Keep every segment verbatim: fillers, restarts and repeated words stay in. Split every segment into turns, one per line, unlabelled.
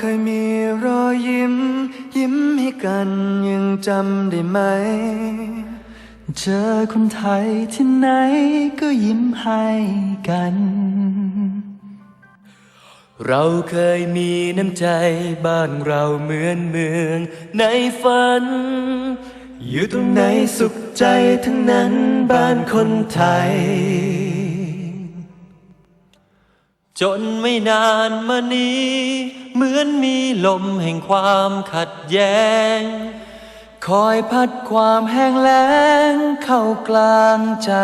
เคยมีรอยยิ้มยิ้มให้กันยังจำได้ไหมเจอคนไทยที่ไหนก็ยิ้มให้กันเราเคยมีน้ำใจบ้านเราเหมือนเมืองในฝันอยู่ตรงไหนสุขใจทั้งนั้นบ้านคนไทยจนไม่นานมานี้เหมือนมีลมแห่งความขัดแย้งคอยพัดความแห้งแล้งเข้ากลางใจ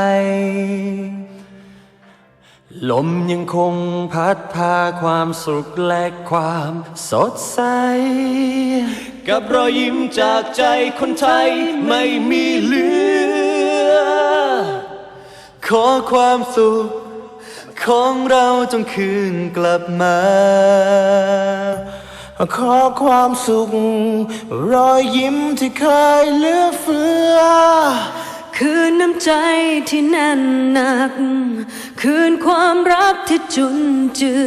ลมยังคงพัดพาความสุขและความสดใสกับรอยยิ้มจากใจคนไทยไม่มีเหลือขอความสุขของเราจงคืนกลับมาขอความสุขรอยยิ้มที่เคยเหลือเฟือ
คืนน้ำใจที่แน่นหนักคืนความรักที่จุนเจื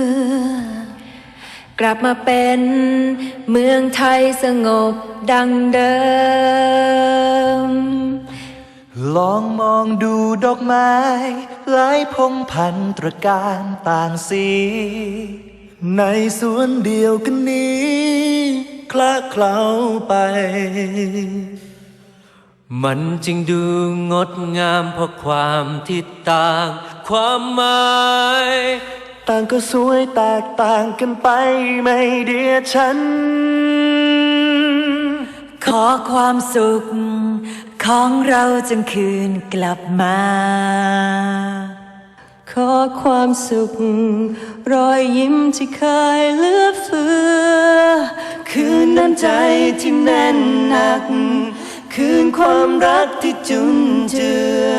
อกลับมาเป็นเมืองไทยสงบดังเดิม
ลองมองดูดอกไม้หลายพงพันตระการต่างสีในสวนเดียวกันนี้คละเคล้าไปมันจึงดูงดงามเพราะความที่ต่างความหมายต่างก็สวยแตกต่างกันไปไม่เดียดฉัน
ขอความสุขของเราจงคืนกลับมาขอความสุขรอยยิ้มที่เคยเหลือเฟือคืนน้ำใจที่แน่นหนักคืนความรักที่จุนเจื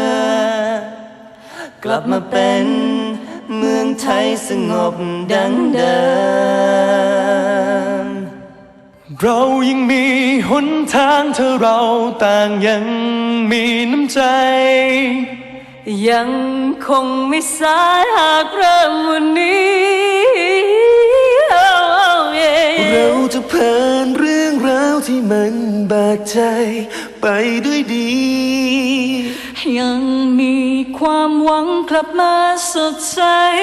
อกลับมาเป็นเมืองไทยสงบดังเดิม
เรายังมีหนทางถ้าเราต่างยังมีน้ำใจ
ยังคงไม่สายหากเริ่มวันนี้
เราจะผ่านเรื่องราวที่มันบาดใจไปด้วยดี
ยังมีความหวังกลับมาสดใส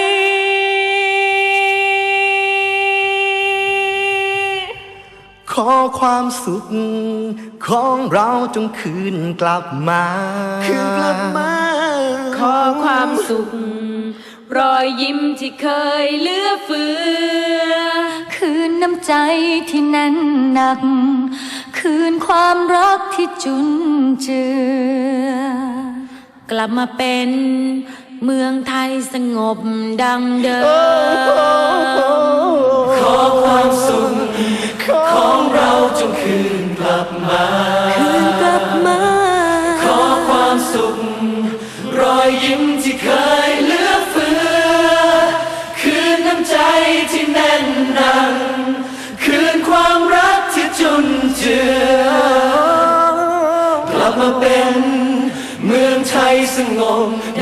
ขอความสุขของเราจงคืนกลับมาคืนกลับมา
ขอความสุขรอยยิ้มที่เคยเหลือเฟือคืนน้ำใจที่แน่นหนักคืนความรักที่จุนเจือกลับมาเป็นเมืองไทยสงบดังเดิม
ขอความสุขของเราจงคืนกลับมา
คืนกลับมา
ขอความสุขรอยยิ้มที่เคยเหลือเฟือคืนน้ำใจที่แน่นหนักคืนความรักที่จุนเจือกลับมาเป็นเมืองไทยสงบ